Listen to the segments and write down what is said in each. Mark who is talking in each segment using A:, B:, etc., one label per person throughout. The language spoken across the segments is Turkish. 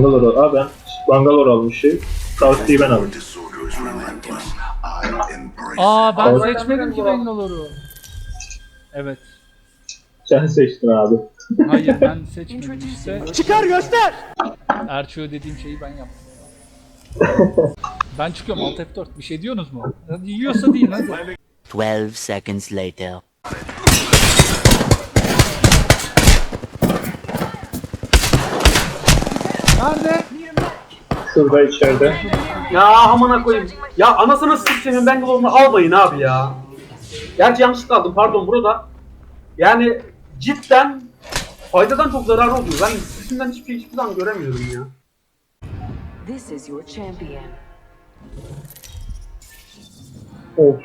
A: Bangalore. Aa ben Bangalore almışım. South'yi ben aldım.
B: Aa ben
A: Al.
B: seçmedim ki Bangalore'u. Evet.
A: Sen seçtin abi.
B: Hayır ben seçmedim işte. Çıkar göster! Erçoğu dediğim şeyi ben yaptım. Ben çıkıyorum Alt F4. Bir şey diyorsunuz mu? Hadi yiyorsa değil hadi.
C: 12 seconds later.
B: Nerede?
A: Şurada içeride.
D: Ya amına koyayım. Ya anasını s**senin Bangalore'unu almayın abi ya. Gerçi yanlışlıkla aldım pardon burada. Yani cidden faydadan çok zararı oluyor. Ben ikisinden hiçbir zaman göremiyorum ya.
E: This is your champion.
A: Of.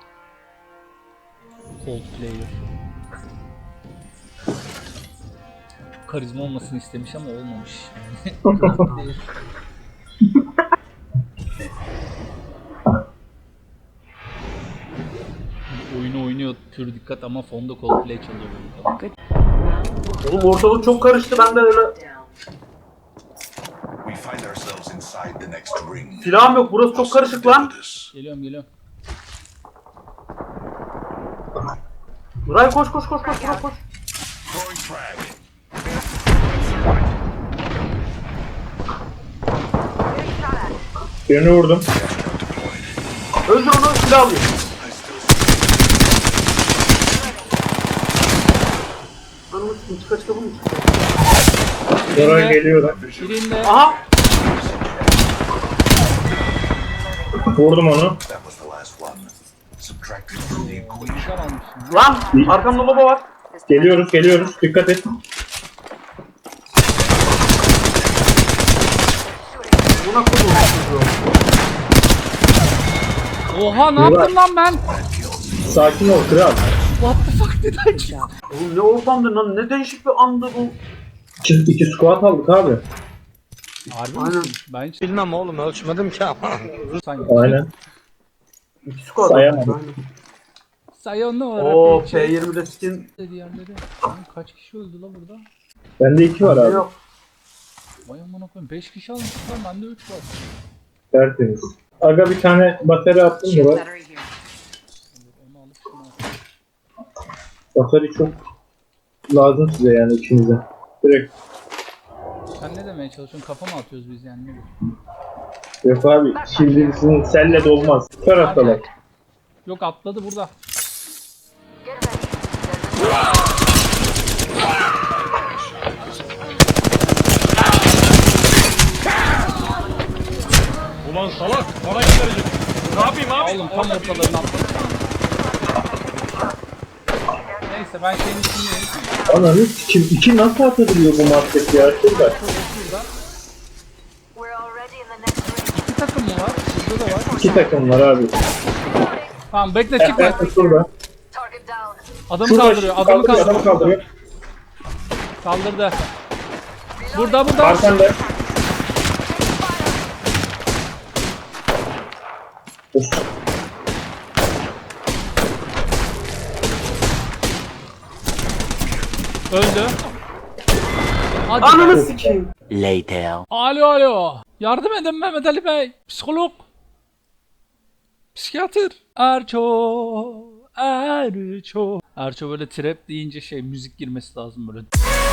B: Cold player. Karizma olmasını istemiş ama olmamış. Oyunu oynuyor pür dikkat ama fonda Coldplay çalıyor burada.
D: Oğlum ortalık çok karıştı ben de öyle.
F: We find ourselves inside the next ring.
D: Silahım yok burası çok karışık lan.
B: Geliyorum.
D: Nuray koş Nuray koş.
F: Throwing frag.
A: Birini vurdum.
D: Öldür onu silah alayım. Anamı s**tim çıkar bu mu çıkar?
A: Oraya geliyorum.
B: Birinde
D: Aha!
A: Vurdum onu.
F: That was the last one. Subtracted from the equation.
B: nişan almışım.
D: Lan! Arkamda baba var.
A: Geliyoruz. Dikkat et.
D: Buna koydum.
B: Oha ne yaptım lan ben?
A: Sakin ol kral.
B: What the fuck did I do?
D: Oğlum ne ortamdı lan ne değişik bir andı bu.
A: İki squat aldık abi.
B: Harbi
D: Aynen.
B: misin? Ben hiç
G: Bilmem oğlum ölçmedim ki ama.
B: sanki.
A: Aynen.
D: İki squad.
A: Sayamadım.
B: Sayonara.
D: Oo
B: P
D: P20'de skin.
B: diğerleri. Lan kaç kişi öldü la burada?
A: Bende 2 var abi.
D: Yok.
B: Vay amına koyayım 5 kişi almışız lan bende 3 var.
A: Tertemiz. Aga bir tane batarya attım mı bak.
E: Battery here.
B: Onu alıp şunu al.
A: Batarya çok lazım size yani ikinize. Direkt.
B: Sen ne demeye çalışıyorsun? Kafa mı atıyoruz biz yani? Ne bu?
A: Yok abi şimdi sizin selle de olmaz. Bu taraftalar.
B: Yok atladı burada.
H: Ulan salak bana getirecek. Ne yapayım abi?
B: Oğlum tam ortalarını atladı. Neyse ben şeyin içindeyim.
A: Ananı sikim. 2 nasıl atabiliyor bu market ya? Şurada.
B: Şurada.
E: We're already in the next ring.
B: 2 takım mı var? Burada da var.
A: 2 takım var abi.
B: Tamam bekle çıkma.
A: Evet şurada.
E: Target down.
B: Adamı
A: Şurada
B: kaldırıyor. Adamı
A: adamı kaldırıyor.
B: Kaldırdı. Burada.
A: Arkanda. Of.
B: Öldü. Hadi.
D: Ananı sikeyim.
C: Later.
B: Alo. Yardım edin Mehmet Ali Bey. Psikolog. Psikiyatr. Erço. Erço böyle trap deyince müzik girmesi lazım böyle.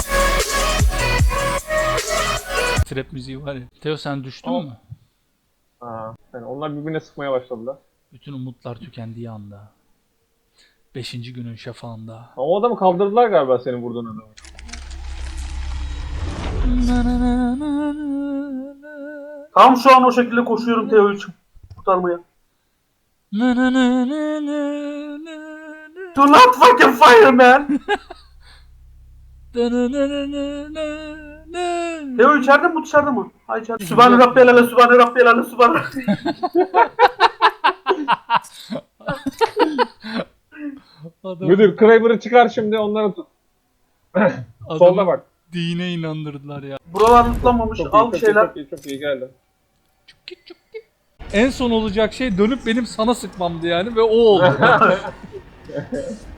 B: Trap müziği var ya. Teo sen düştün mü?
H: Ha, yani onlar birbirine sıkmaya başladılar.
B: Bütün umutlar tükendiği anda. 5. günün şafağında.
H: Ama o adamı kaldırdılar galiba senin vurduğun adamı.
D: Tam şu an o şekilde koşuyorum Teo'yu kurtarmaya. Do not fucking fire man. Teo içeride mi bu dışarıda mı? Ha içeride. Sübhane Rabbiyel Ala, Sübhane Rabbiyel Ala, Sübhane
H: Müdür Kramer'ı çıkar şimdi onları tut. Solda bak.
B: Dine inandırdılar ya.
D: Buralar ıtlanmamış.
H: Çok iyi,
D: Al bir
H: çok iyi,
D: şeyler.
H: çok iyi geldi.
B: En son olacak şey dönüp benim sana sıkmamdı yani ve o oldu.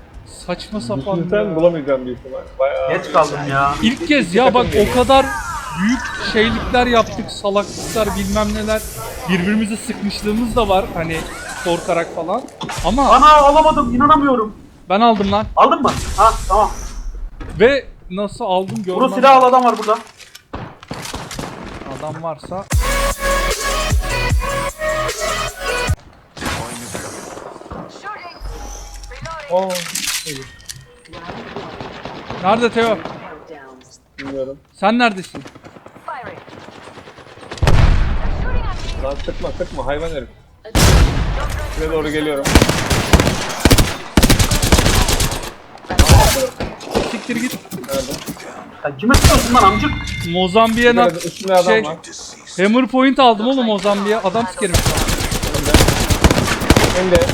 B: Saçma sapan
H: Sen
B: ya.
H: bulamayacaksın büyük ihtimal. Bayağı...
D: Geç kaldım ya.
B: İlk kez ya bak o kadar büyük şeylikler yaptık, salaklıklar bilmem neler. Birbirimizi sıkmışlığımız da var hani korkarak falan. Ama
D: Ana alamadım, inanamıyorum.
B: ben aldım lan.
D: Aldın mı? Ha tamam.
B: Ve nasıl aldım
D: Bunu
B: görmem.
D: silah al, adam var burada.
B: Adam varsa.
E: Shooting. Reloading.
H: Oo.
B: Nerede Teo?
E: Down.
H: Bilmiyorum.
B: Sen neredesin?
E: Firing. They're shooting at me.
H: Lan sıkma hayvan herif. Size doğru geliyorum.
B: Siktir git.
H: Nerede?
D: Sen kime sıkıyorsun lan amcık?
B: Mozambik'e
H: Nerede? Üstünde adam
B: şey,
H: var.
B: Hammer point aldım oğlum Mozambik'e. Adam sikerim.
H: Hem de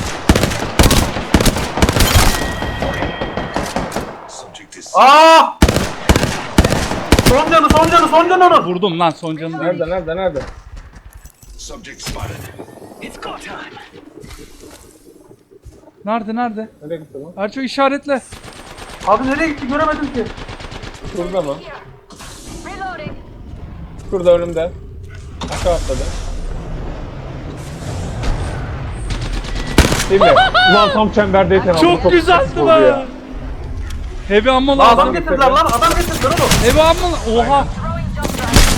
F: Subject is
D: Aa! Son canı onun.
B: Vurdum lan son canını değil.
H: nerede?
F: subject spotted.
B: Nerede?
H: Nereye gitti lan?
B: Erço işaretle.
D: Abi nereye gitti göremedim ki.
H: Şurada mı?
E: Reloading.
H: Şurada önümde. Aşağı atladı. Değil mi? Ulan tam çemberdeyken aldım.
B: Çok güzeldi
H: sıkıntı oldu
B: lan.
H: ya.
B: Heavy ammo
D: Lan adam
B: lazım.
D: getirdiler lan, adam getirdiler oğlum.
B: Heavy ammo. Oha.
E: Throwing jump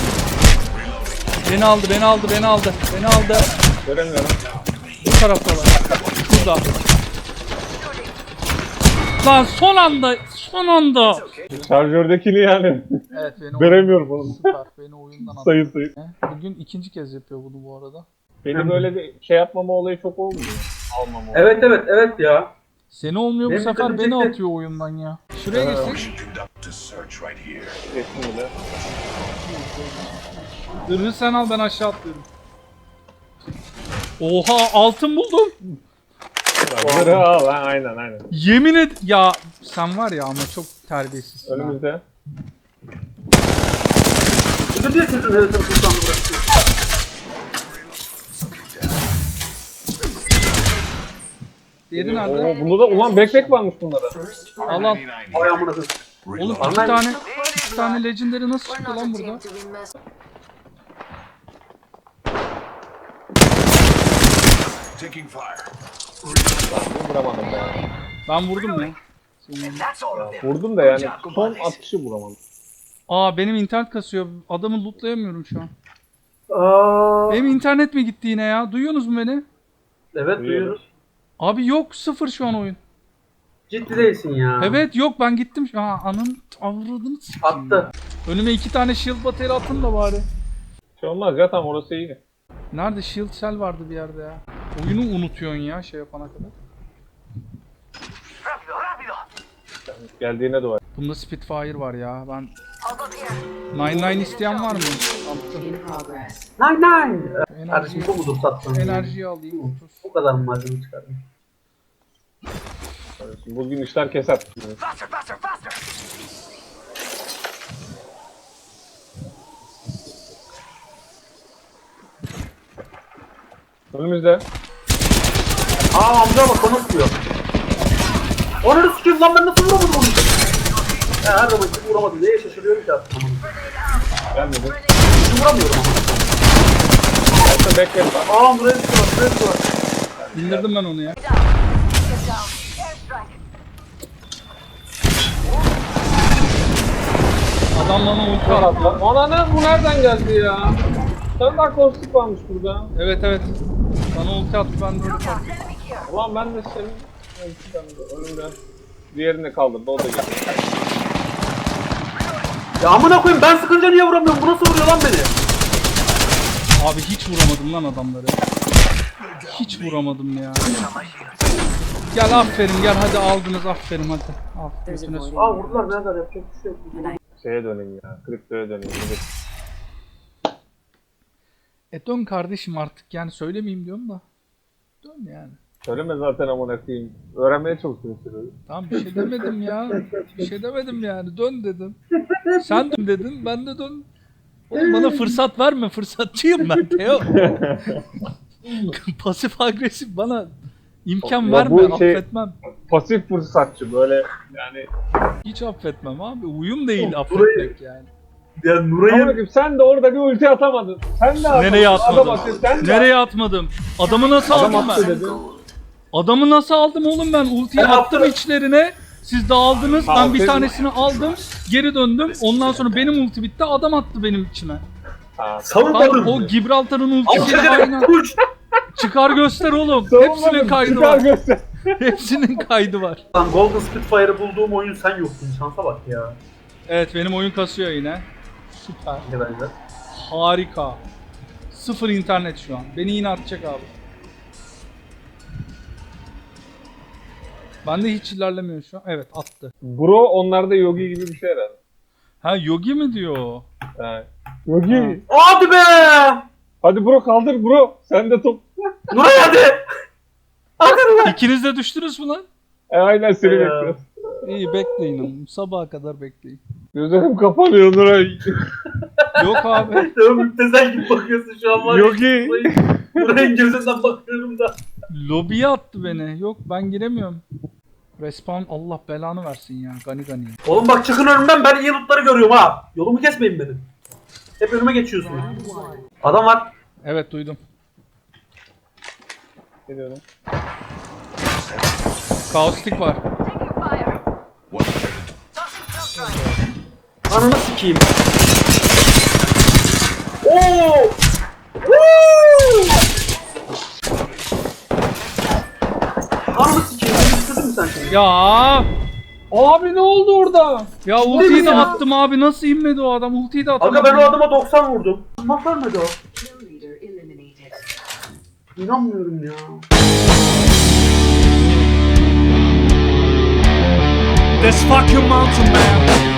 E: drive.
B: Beni aldı.
H: Göremiyorum.
B: Bu taraftalar. Şurada. Lan son anda.
H: Şarjördekini yani.
B: Evet beni
H: Veremiyorum oğlum.
B: Süper. Beni oyundan attı.
H: Sayı.
B: Bugün ikinci kez yapıyor bunu bu arada.
H: Benim böyle bir şey yapmama olayı çok olmuyor. Almama olayı.
D: Evet ya.
B: Seni olmuyor bu
D: Benim
B: sefer
D: dikkatimi
B: beni
D: çekti.
B: atıyor oyundan ya. Şuraya geçsin.
F: Should conduct a search right here.
H: Geçtim bile.
B: Zırhı sen al ben aşağı atlıyorum. Oha altın buldum.
H: Zırhı al ha aynen.
B: Yemin et ya sen var ya ama çok terbiyesizsin. ha.
H: Önümüzde.
D: Özür diye sırtın herifin sultanını bırakıyor.
B: Diğeri nerede?
H: Oo, bunda da ulan backpack varmış bunlara.
B: Al.
F: 99
D: Ay amına koyayım.
B: Oğlum
F: Reload.
B: iki tane legendary nasıl
E: We're
B: çıktı
E: not a
B: lan
E: team
B: burada?
E: to be messed.
F: Taking fire.
H: Vuramadım ya.
B: Ben vurdum ya.
H: Vurdum da yani son atışı vuramadım.
B: Aa benim internet kasıyor. Adamı lootlayamıyorum şu an.
D: Aa,
B: Benim internet mi gitti yine ya? Duyuyorsunuz mu beni?
D: evet duyuyoruz.
B: Abi yok sıfır şu an oyun.
D: Ciddi değilsin ya.
B: Evet yok ben gittim. Aa anın avradını sikeyim
D: Attı.
B: ya. Önüme 2 tane shield bateri atın da bari.
H: Şey olmaz ya tam orası iyi.
B: Nerede shield cell vardı bir yerde ya. Oyunu unutuyorsun ya şey yapana kadar.
H: Geldiğine dua et.
B: Bunda Spitfire var ya. Ben
E: I'll go here.
B: 99 isteyen var mı?
E: In progress.
D: Nine. Kardeşim
B: Enerji,
D: çok ucuz sattın.
B: enerjiyi alayım 30.
D: Bu kadar mı malzeme çıkardın?
H: Bugün işler kesat. Önümüzde.
D: Aa amca bak onu sıkıyor. Onu sıkıyor lan, ben nasıl vuramadım onu? Ya her zaman hiç vuramadım. Neye şaşırıyorum ki aslında?
H: Gelmedi.
D: Hiç vuramıyorum ama.
H: Altta backpack var.
D: Aa buraya sıkıyor.
B: İndirdim ben onu ya.
E: Get down. Airstrike.
B: Adam bana ulti attı.
H: Ana ne bu nereden geldi ya? Sen daha kostik varmış burada.
B: Evet. Bana ulti attı ben de ulti attım.
E: Enemy here.
H: Ulan ben de senin önümden diğerini de kaldırdı o da geldi.
D: Ya amına koyayım, ben sıkınca niye vuramıyorum? Bu nasıl vuruyor lan beni?
B: Abi hiç vuramadım lan adamları. Hiç vuramadım ya. Gel aferin gel hadi aldınız aferin hadi. Al götüne sok.
D: Aa vurdular, ne kadar yapacak bir şey yok.
H: Şeye döneyim ya. Kriptoya döneyim.
B: Dön kardeşim artık yani söylemeyeyim diyorum da. Dön yani.
H: Söyleme zaten amına koyayım. Öğrenmeye çalışıyorum.
B: Tamam bir şey demedim ya. Bir şey demedim yani dön dedim. Sen dön dedin ben de dön. Oğlum bana fırsat verme fırsatçıyım ben Teo. Pasif agresif bana imkan
H: Ya
B: verme
H: bu şey-
B: affetmem.
H: Pasif fırsatçı böyle yani.
B: Hiç affetmem abi. Uyum değil affetmek yani.
D: Ya Nuray'ın
H: Ama sen de orada bir ulti atamadın. Sen de atamadın.
B: Nereye
H: Adam
B: atmadım?
H: atıyor, sen de
B: Nereye atmadım? Adamı nasıl
H: Adam
B: aldım
H: attı
B: ben?
H: dedi.
B: Adamı nasıl aldım oğlum ben? Ultiyi
D: Ben
B: attım
D: attım.
B: içlerine. Siz dağıldınız. Ben bir
H: Aferin.
B: tanesini aldım. Geri döndüm. Ondan sonra benim ulti bitti. Adam attı benim içime.
H: Ha,
B: Lan
D: savunmadın.
B: o Gibraltar'ın
D: Al
B: ultisi
D: çekene
B: aynen.
D: uç.
B: Çıkar göster oğlum.
H: savunmadın,
B: Hepsinin kaydı
H: çıkar
B: var.
H: göster.
B: Hepsinin kaydı var.
D: Lan Golden Spitfire'ı bulduğum oyun sen yoktun. Şansa bak ya.
B: Evet benim oyun kasıyor yine. Süper.
D: Ne bence.
B: Harika. Sıfır internet şu an. Beni yine atacak abi. Bende hiç ilerlemiyor şu an. Evet attı.
H: Bro onlarda Yogi gibi bir şey herhalde.
B: Ha Yogi mi diyor?
H: Ha. Yogi.
B: Ha.
D: Hadi be!
H: Hadi bro kaldır bro. Sen de top.
D: Nuray hadi! Hadi Nuray!
B: İkiniz de düştünüz mü lan?
H: Aynen seni
D: Ya.
H: bekliyorum.
B: İyi bekleyin oğlum. Sabaha kadar bekleyin.
H: Gözlerim kapanıyor Nuray.
B: Yok abi.
D: Ya müptezel gibi bakıyorsun şu an var ya.
H: Yogi.
D: Nuray'ın gözünden bakıyorum da.
B: Lobiye attı beni. Yok ben giremiyorum. Respawn Allah belanı versin ya. Gani gani.
D: Oğlum bak çıkın önümden, ben iyi lootları görüyorum ha. Yolumu kesmeyin benim. Hep önüme geçiyorsunuz. Adam var.
B: Evet duydum.
H: Geliyorum.
B: Kaustik var.
E: Taking fire. Tossing jump drive.
D: Ananı sikeyim. Oo! Woo! Ananı sikeyim. Bitirdin mi sen şimdi?
B: Ya
H: Abi ne oldu orada?
B: ya ultiyi de
D: ya?
B: attım abi. Nasıl inmedi o adam? Ultiyi de atamadım.
D: Aga ben o adama 90 vurdum. Nasıl ölmedi o?
E: Kill leader eliminated.
D: İnanmıyorum ya.
B: This fucking mountain man.